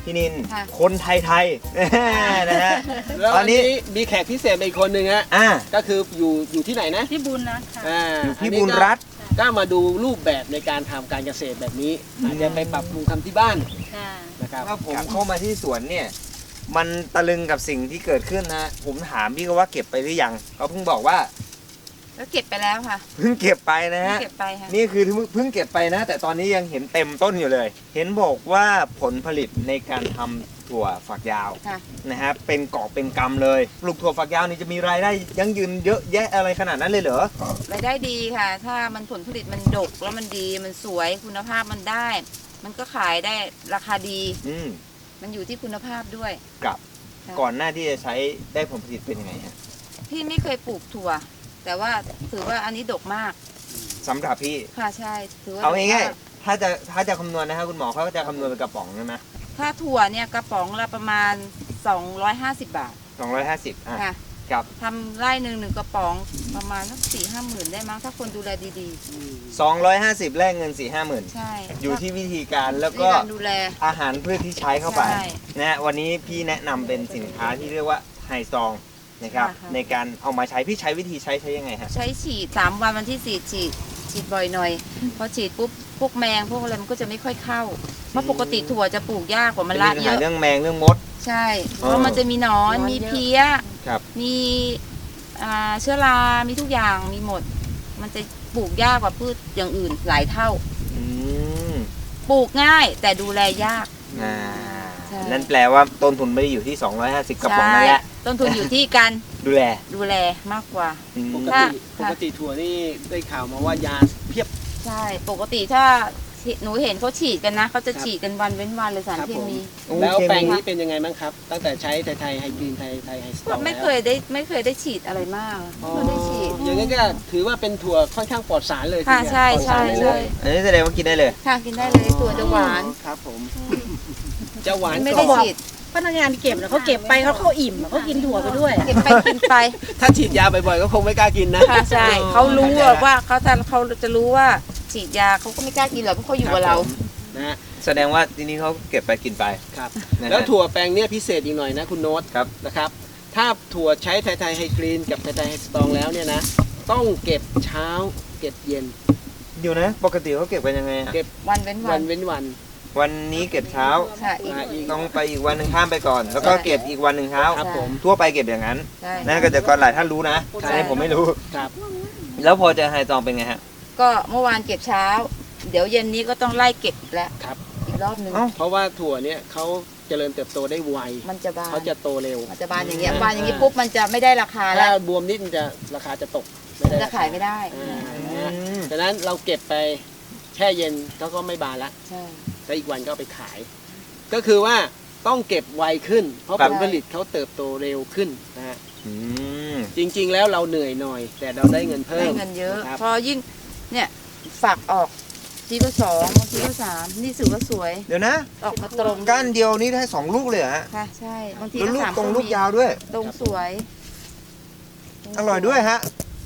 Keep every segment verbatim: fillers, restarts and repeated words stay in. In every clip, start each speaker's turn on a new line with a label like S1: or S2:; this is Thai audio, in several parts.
S1: พี่นินคนไทยๆนะฮะ
S2: แล้วอันนี้มีแขกพิเศษอีกคนหนึ่งฮะก็คืออยู่อยู่ที่ไหนนะ
S3: ที่บุญนะ
S1: อยู่ที่บุญรัตน์
S2: ก็มาดูรูปแบบในการทำการเกษตรแบบนี้อาจจะไปปรับปรุงทำที่บ้านนะครับ
S1: ถ้าผมเข้ามาที่สวนเนี่ยมันตะลึงกับสิ่งที่เกิดขึ้นนะผมถามพี่ก็ว่าเก็บไปหรือยังเขาเพิ่งบอกว่า
S4: ก็เก็บไปแล้วค่ะ
S1: เพิ่งเก็บไปนะฮะ
S4: เก็บไปค่ะ
S1: นี่คือเพิ่งเก็บไปนะแต่ตอนนี้ยังเห็นเต็มต้นอยู่เลยเห็นบอกว่าผลผลิตในการทำถั่วฝักยาวนะฮะเป็นกอบเป็นกำเลยปลูกถั่วฝักยาวนี่จะมีรายได้ยั่งยืนเยอะแยะอะไรขนาดนั้นเลยเหรอ
S4: รายได้ดีค่ะถ้ามันผลผลิตมันดกแล้วมันดีมันสวยคุณภาพมันได้มันก็ขายได้ราคาดี
S1: อืม
S4: มันอยู่ที่คุณภาพด้วย
S1: กับก่อนหน้าที่จะใช้ได้ผลผลิตเป็นยังไงฮะ
S4: พี่ไม่เคยปลูกถั่วแต่ว่าถือว่าอันนี้ดกมาก
S1: สำหรับพี่
S4: ค่ะใช่ถือว่า
S1: เอาง่ายๆถ้าจะถ้าจะคำนวณนะครับคุณหมอเขาจะคำนวณเป็นกระป๋องใช่ไหม
S4: ถ้าถั่วเนี่ยกระป๋องละประมาณสองร้อยห้าสิบบาท
S1: สองร้อยห้าสิบอ่ะ
S4: ค่ะ
S1: กับ
S4: ทำไร่หนึ่งหนึ่งกระป๋องประมาณสักสี่ห้าหมื่นได้มั้งถ้าคนดูแลดี
S1: ๆสองร้อยห้าสิบแลกเงินสี่ห้าหมื่น
S4: ใช่
S1: อยู่ที่วิธีการแล้วก็
S4: ดูแล
S1: อาหารพืชที่ใช้เข้าไปนะวันนี้พี่แนะนำเป็นสินค้าที่เรียกว่าไฮซองนะครับในการเอามาใช้พี่ใช้วิธีใช้ใช้ยังไงฮะ
S4: ใช้ฉีดสามวันวันที่สี่ฉีดฉีดบ่อยหน่อยพอฉีดปุ๊บพวกแมงพวกอะไรมันก็จะไม่ค่อยเข้าเพราะปกติถั่วจะปลูกยากกว่ามันละเยอะ
S1: เรื่องแมงเรื่องมด
S4: ใช่เพราะมันจะมีหนอนมีเพี้ยมีเชื้อรา มีทุกอย่างมีหมดมันจะปลูกยากกว่าพืชอย่างอื่นหลายเท่าปลูกง่ายแต่ดูแลยาก
S1: นั่นแปลว่าต้นทุนไม่ได้อยู่ที่สองร้อยห้าสิบกระป๋องนั่นแหละ
S4: ต้นทุนอยู่ที่การ
S1: ดูแล
S4: ดูแลมากกว่า
S2: ปกติปกติถั่วนี่ได้ข่าวมาว่ายาเพียบ
S4: ใช่ปกติถ้าหนูเห็นเขาฉีดกันนะเขาจะฉีดกันวันเว้นวันเลยสารเคมี
S2: แล้วแปลงนี้เป็นยังไงบ้างครับตั้งแต่ใช้ไทยไทยไฮกรีนไทยไทยไฮสตรอง
S4: ไม่เคยได้ไม่เคยได้ฉีดอะไรมากไม่ได้ฉีด
S2: อย่างนี้ก็ถือว่าเป็นถั่วค่อนข้างปลอดสารเลย
S4: ค่ะใช่ใช่ใช่
S1: อันนี้แสดงว่ากินได้เลย
S4: ค่ะกินได้เลยถั่วจะหวาน
S2: ครับผมจะหวาน
S4: ไม่ได้ฉีด
S3: พนักงานเก็บแล้วเขาเก็บไปเขาเขาอิ่มเขากินถั่วไปด้วย
S4: เก็บไปกินไป
S2: ถ้าฉีดยาบ่อยๆก็คงไม่กล้ากินนะ
S4: ค่ะใช่เขารู้ว่าเขาจะเขาจะรู้ว่าฉีดยาเขาก็ไม่กล้ากินหรอกเพราะเขาอยู่กับเรา
S2: นะ
S1: แสดงว่าทีนี้เขาเก็บไปกินไป
S2: ครับแล้วถั่วแปลงเนี้ยพิเศษอีกหน่อยนะคุณโน้ต
S1: ครับ
S2: นะครับถ้าถั่วใช้ไทยไทยไฮกรีนกับไทยไทยไฮสตรองแล้วเนี่ยนะต้องเก็บเช้าเก็บเย็น
S1: เดี๋ยวนะปกติเขาเก็บกันยังไง
S4: เก็บวันเว้นวัน
S2: วันเว้นวัน
S1: วันนี้เก็บเช้าต้องไปอีกวันหนึ่งข้ามไปก่อนแล้วก็เก็บอีกวันหนึ่งเช้า
S2: ครับผม
S1: ทั่วไปเก็บอย่างนั้นนั่นก็จะก่อนหลายท่านรู้นะอันนี้ผมไม่รู้
S2: ครับ
S1: แล้วพอจะไฮซองเป็นไงฮะ
S4: ก็เมื่อวานเก็บเช้าเดี๋ยวเย็นนี้ก็ต้องไล่เก็บแล้ว
S2: ครับ
S4: อีกรอบนึง
S2: เพราะว่าถั่วเนี่ยเขาเจริญเติบโตได้ไว
S4: มันจะบาน
S2: เขาจะโตเร็ว
S4: มันจะบานอย่างเงี้ยบานอย่างงี้ปุ๊บมันจะไม่ได้ราคาแล้ว
S2: ถ้าบวมนิดมันจะราคาจะตก
S4: ไม่ได้จะขายไม่ได้
S2: ดังนั้นเราเก็บไปแช่เย็นเขาก็ไม่บานละ
S4: ใช่
S2: แล้วอีกวันก็ไปขายก็คือว่าต้องเก็บไวขึ้นเพราะผลผลิตเขาเติบโตเร็วขึ้นนะฮะจริงๆแล้วเราเหนื่อยหน่อยแต่เราได้เงินเพิ่ม
S4: ได้เงินเยอะพอยิ่งเนี่ยฝักออกทีก็สองบางทีก็สามนี่ถือว่าสวย
S1: เดี๋ยวนะ
S4: ออกมาตรง
S1: ก้านเดียวนี่ได้สองลูกเลยฮะ
S4: ค่ะใช่บางที
S1: ก็สามตรงลูกยาวด้วย
S4: ตรงสวย
S1: อร่อยด้วยฮะ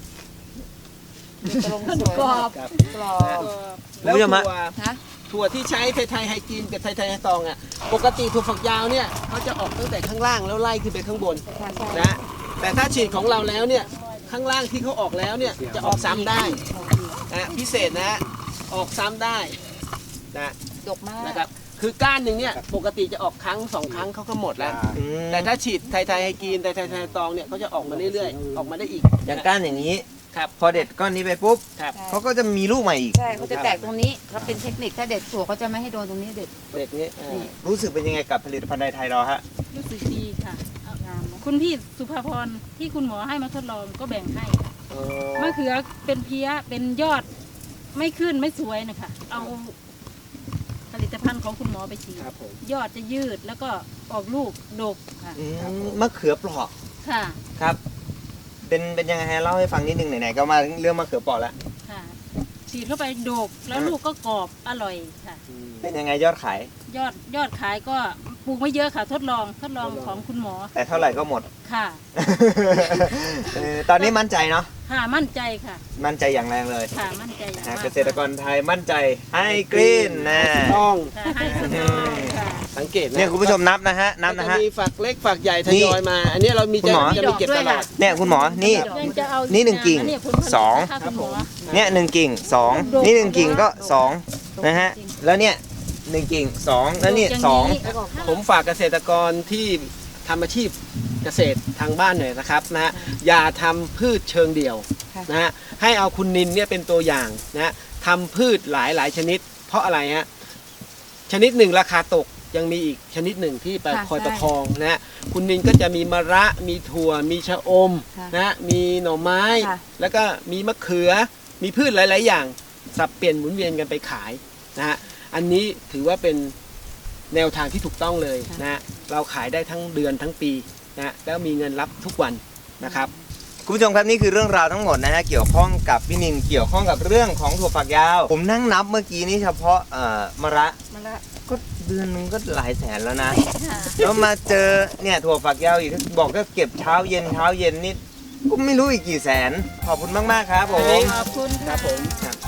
S4: ตรงสวยกรอบกรอบ
S2: แล้วถั่วถั่วที่ใช้ไทยไทยไฮกรีนกับไทยไทยไฮตองอ่ะปกติถั่วฝักยาวเนี่ยเขาจะออกตั้งแต่ข้างล่างแล้วไล่ขึ้นไปข้างบนนะแต่ถ้าฉีดของเราแล้วเนี่ยข้างล่างที่เขาออกแล้วเนี่ยจะออกซ้ำได้นะพิเศษนะออกซ้ำได้นะ
S4: ดกมาก
S2: นะครับคือก้านหนึ่งเนี่ยปกติจะออกครั้งสองครั้งเขาก็หมดแล้วแต่ถ้าฉีดไทยไทยไฮกรีนไทยไทยไฮตองเนี่ยเขาจะออกมาเรื่อยๆออกมาได้อีก
S1: อย่างก้านอย่างนี้ครับพอเด็ดก้อนนี้ไปปุ๊บเขาก็จะมีลูกใหม่อีก
S4: ใช่เขาจะแตกตรงนี้เขาเป็นเทคนิคถ้าเด็ดถั่วเขาจะไม่ให้โดนตรงนี้เด็ด
S2: เด็ดนี้
S1: รู้สึกเป็นยังไงกับผลิตภัณฑ์ไทยเราฮะ
S3: รู้สึกดีค่ะคุณพี่สุภาพรที่คุณหมอให้มาทดลองก็แบ่งให้มะเขือเป็นเพี้ยเป็นยอดไม่ขึ้นไม่สวยนะคะเอาผลิตภัณฑ์ของคุณหมอไปฉีดยอดจะยืดแล้วก็ออกลูกดกค่ะ
S1: มะเขือเปราะ
S3: ค่ะ
S1: ครับเป็นเป็นยังไงฮะเล่าให้ฟังนิดนึงไหนๆก็มาเรื่องมะเขือเปราะแล้ว
S3: ค่ะฉีดเข้าไปดกแล้วลูกก็กรอบอร่อยค่ะ
S1: เป็นยังไงยอดขาย
S3: ยอดยอดขายก็ปลูกไม่เยอะค่ะทดลองทดลองของคุณหมอ
S1: แต่เท่าไหร่ก็หมด
S3: ค่ะ
S1: ตอนนี้มั่นใจเนาะ
S3: ค่ะมั่นใจค่ะ
S1: มั่นใจอย่างแรงเลย
S3: ค่ะมั่นใจอย่าง
S1: เกษตรกรไทยมั่นใจให้กรีนนะ
S2: ต้อง
S3: ให้สตรองค่ะ
S2: สังเกตนะ
S1: เนี่ยคุณผู้ชมนับนะฮะนับนะฮะ
S2: จมีฝักเล็กฝักใหญ่ทยอยมา อันนี้เรามี
S1: คุณ
S2: จะ
S1: หมอ
S2: จะมีเก็บตลอด
S1: เนี่ยคุณหมอนี่
S3: ยังจะเอา
S1: นี่หนึ่งกิ่ง
S3: อัผลผลิต
S1: สอง
S3: นะคะคุณหมอ
S1: เนี่ยหนึ่งกิ่งสองนี่หนึ่งกิ่งก็สองนะฮะแล้วเนี่ยหนึ่งกิ่งสองแล้วเนี่ยสอง
S2: ผมฝากเกษตรกรที่ทำอาชีพเกษตรทางบ้านหน่อยนะครับนะฮะอย่าทำพืชเชิงเดี่ยวนะฮะให้เอาคุณนินเนี่ยเป็นตัวอย่างนะฮะทำพืชหลายหลายชนิด เพราะอะไรฮะชนิดหนึ่งราคาตกยังมีอีกชนิดหนึ่งที่ไป
S4: ค่ะ
S2: คอย
S4: ใช่
S2: ประคองนะฮะคุณนินก็จะมีมะระมีถั่วมีชะอม
S4: ค่ะ
S2: นะฮะมีหน่อไม้
S4: ค่ะ
S2: แล้วก็มีมะเขือมีพืชหลาย ๆ อย่างสับเปลี่ยนหมุนเวียนกันไปขายนะฮะอันนี้ถือว่าเป็นแนวทางที่ถูกต้องเลยนะฮะเราขายได้ทั้งเดือนทั้งปีนะฮะแล้วมีเงินรับทุกวันนะครับ
S1: คุณผู้ชมครับนี่คือเรื่องราวทั้งหมดนะฮะเกี่ยวข้องกับพี่นินเกี่ยวข้องกับเรื่องของถั่วฝักยาว ผมนั่งนับเมื่อกี้นี่เฉพาะเอ่อมะระ
S4: มาละ
S1: ก็เดือนนึงก็หลายแสนแล้วนะ แล้วมาเจอเนี่ยถั่วฝักยาวอีกบอกก็เก็บเช้าเย็นเช้าเย็นนี่ก็ไม่รู้อีกกี่แสนขอบคุณมากๆครับผม
S3: ขอบคุณ
S2: ครับผม
S1: ครับ